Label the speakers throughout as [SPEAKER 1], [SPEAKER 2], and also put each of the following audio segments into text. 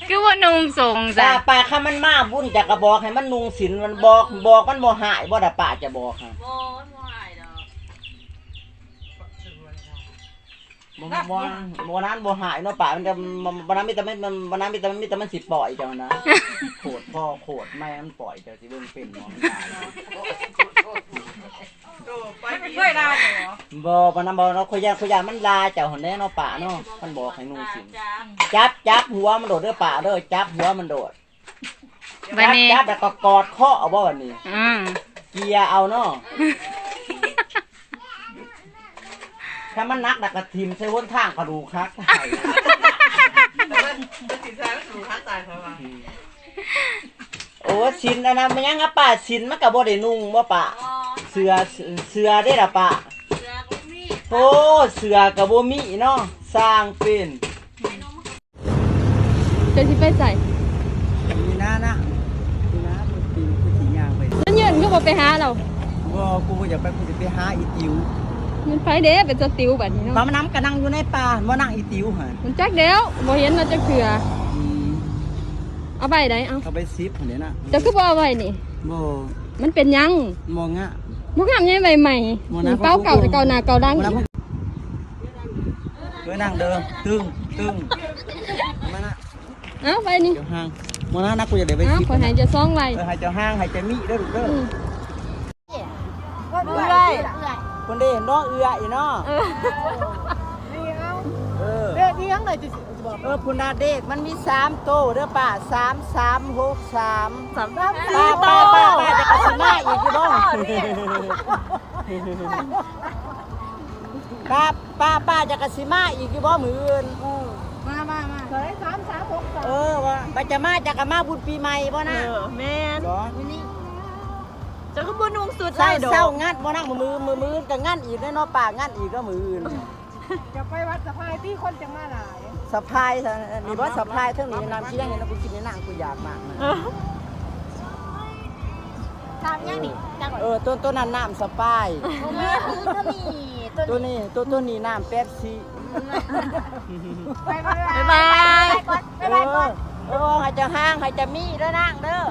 [SPEAKER 1] คือว่านุ่งส่งจ้ะ
[SPEAKER 2] ป่าข้ามันมาบุญจากกระบอกให้มันนุงศีลมันบอกมันบ่หายบ่ด่าป่าจะบอกค่ะบ่นั้นบ่หายเนาะป่ามันจะบ่นั้นมีแต่มันสิปล่อยเจ้านะโคตรพ่อโคตรแม่มันปล่อยเจ้าสิเบิ่งเป็นหมอมันตาย
[SPEAKER 3] ไม่เคยได้เหรอ
[SPEAKER 2] บ่ปานนั้นบ่เนาะขอยามันลาเจ้าหั่นแน่เนาะป่าเนาะมันบอกให้นุ่งศีลจับหัวมันโดดเด้อป่าเด้อจับหัวมันโดดจับแล้วก็กอดคอเอาบ่บัดนี้เกียเอาเนาะถ้ามันนักดักกระทิมใช้วนทางกระดูกคักตาย
[SPEAKER 3] ติดใจไม่ถูกฮักตายเพราะว่า
[SPEAKER 2] โอ้สินนะมันยังอ่ะป่าสินมันก็บ่ได้นุ่งบ่ป่าเสือได้ล่ะป่าโอ้เสือก็บ่มีเนาะสร้างเป็น
[SPEAKER 1] จะสิไปใส่
[SPEAKER 2] นี่นะมันปีนคือสิย่างไป
[SPEAKER 1] นั่นยืนก็บ่ไปหาเรา
[SPEAKER 2] บ่กูอยากไปกูสิไปหาอีติ๋ว
[SPEAKER 1] มันไปเด้เป็นสติวแบบนี้เนาะ
[SPEAKER 2] มันน้ำก็นั่งอยู่ในป่าบ่นั่งอีติ๋วหั่น
[SPEAKER 1] มันจักเดียวบ่เห็นเราจะเถื่อเอาไปได้เอา
[SPEAKER 2] ไป10หั่นนี่นะ
[SPEAKER 1] จะคือบ่เอาไว้นี่
[SPEAKER 2] บ่
[SPEAKER 1] มันเป็นยัง
[SPEAKER 2] บ่งะ
[SPEAKER 1] บ่งามยังใหม่ๆเป้าเก่าแต่เก่าหน้าเก่าดังอีก
[SPEAKER 2] นั่งเด้อตึ้งมานะ
[SPEAKER 1] เอาไปนี่
[SPEAKER 2] เจ้าห้างบ่นะกูจะได้ไป
[SPEAKER 1] 10ขอให้จะซ่องไว้
[SPEAKER 2] ให้เจ้าห้างให้เจ้ามีเด้อลูกเด้อ
[SPEAKER 3] เอื่อย
[SPEAKER 2] คนได้เห็นน้องเอืออีเนาะ
[SPEAKER 3] เด็กที่ยังไหนจะบอก
[SPEAKER 2] พุนาเด็กมันมี3โตเด้อป้า3363ป้าจะกระสิมาอีกอยู่บ่ป้าจะกระสิมาอีกอยู่บ่มื้ออื่น
[SPEAKER 3] มาเฮ้ย3363
[SPEAKER 2] ว่าป้าจะมาจะกะมาบุญปีใหม่บ่นะ
[SPEAKER 3] แม่น
[SPEAKER 2] นี่
[SPEAKER 3] จะก็บ่นุ่งสุดได้ดอก
[SPEAKER 2] เศร้างัดบ่นั่งมือก็งัดอีกเนาะป้างัดอีกก็มื้ออื่น
[SPEAKER 3] จะไปวัดสะพายที่คนจะมาหลาย
[SPEAKER 2] สะพายนี่บ่สะพายเท่านี้น้ำชี้ยังไงนะกูกินในนางกูอยากมาก
[SPEAKER 3] ทำยังนี่
[SPEAKER 2] ต้นนั้นน้ำสะพายตัวนี้น้ำเป๊ปซี่
[SPEAKER 3] ไปก่อน
[SPEAKER 2] ให้เจ้าห้างให้เจ้ามีเด้อนางเด้อ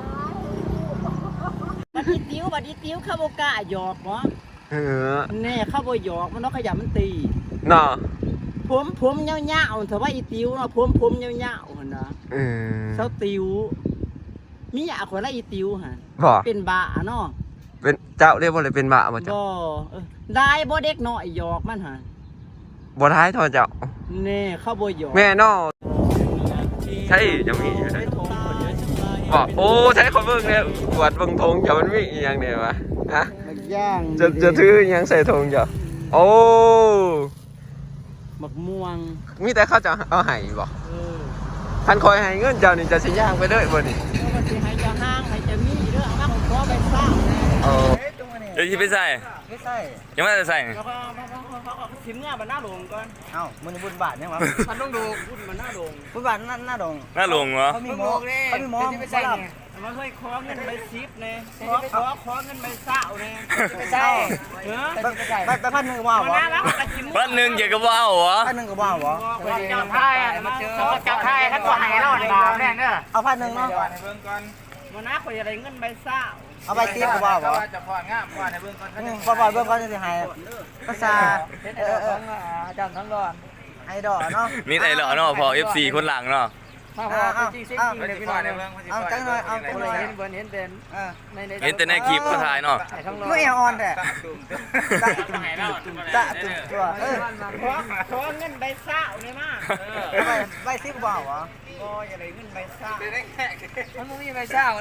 [SPEAKER 2] บัดนี้ติ้วข้าวบกะหยอกเนาะแน่ข้าวบหยอกมันเนาะขยะมันตี
[SPEAKER 4] เนาะ
[SPEAKER 2] ผมเงี้ยวๆแต่ว่าอีติ้วเนาะผมเงี้ยวๆหั่นนะเซาติ้วมีอยากคนละอีติ้วฮะเป็นบ้าเนาะ
[SPEAKER 4] เป็นเจ้าเรียกว่าอะไรเป็นบ้าบ่เจ้า
[SPEAKER 2] ได้บ่เด็กน้อยหยอกมันฮะ
[SPEAKER 4] บ่ท้ายทอเจ้า
[SPEAKER 2] แน่ข้าวบหยอก
[SPEAKER 4] แม่เนาะใช่ยังมีอยู่เลยบอกโอ้ใช้คนเบิ่งเนี่ยกวดเบิ่งธงเจ้ามันมีอีหยังเนี่ยวะฮะจะถือยังใส่ธงจ้ะโอ้
[SPEAKER 2] หมักม่วง
[SPEAKER 4] มีแต่เขาจะเอาไห้บ่พันคอยให้เงินเจ้านี่จะสิย่างไปเลยบ่นี่
[SPEAKER 2] มันสิให้เจ้าห้างให้เจ้ามีเด้อเอามาขอไปสร้าง
[SPEAKER 4] เดี๋ยวสิไปใส่ยังไม่ได้ใส่
[SPEAKER 2] แล้วก็ชิมเนี่ยมันหน้าโด่งก่อนเอ้ามันบุญบาทเนี่ยวะมันต้องดูบุญมันหน้าโด่งบุญบาทหน้าโด่ง
[SPEAKER 4] เหรอ
[SPEAKER 2] เขามีหมอไม่ใช่มันเคยคอเงินใบซิปเนี่ยคอเงินใบเศร้าเนี่ยไม่ใช่ใบ1,000ว้าว
[SPEAKER 4] 1,000เกี่ยวกับว้าวเหรอ
[SPEAKER 2] 1,000ก็ว้าวเหรอ
[SPEAKER 3] จับไพ่จับไพ่ท่านก็ให้เราในดาวเนี่ย
[SPEAKER 2] เอา1,000เนาะ
[SPEAKER 3] มันน่าคุยอะไรเงินใบเศร้า
[SPEAKER 2] เอาใบซิปก็ว้าวเหรอ
[SPEAKER 3] จะพองามว่าในเบื้องต้น
[SPEAKER 2] เบื้องต้นจะให้ภาษา
[SPEAKER 3] จำทั้งก่อน
[SPEAKER 2] ไอดอเนาะ
[SPEAKER 4] มีไอดอเนาะพอ FC คนหลังเนาะ
[SPEAKER 3] จริงเลยพี่น้อย
[SPEAKER 2] เอาจังหน่อยเอา
[SPEAKER 3] เห็นเห็น
[SPEAKER 4] แต่ในคลิปก็ถ่ายเนาะ
[SPEAKER 2] ไม่เอาออนแต่ตะตุ่มตัว
[SPEAKER 3] ขอเงินใบเศร้าเนี่ยมาก
[SPEAKER 2] ใบซิปว้าวเหรอ
[SPEAKER 3] ก็อย่าได้เงินใบเศร้ามันไม่มีใบเศร้า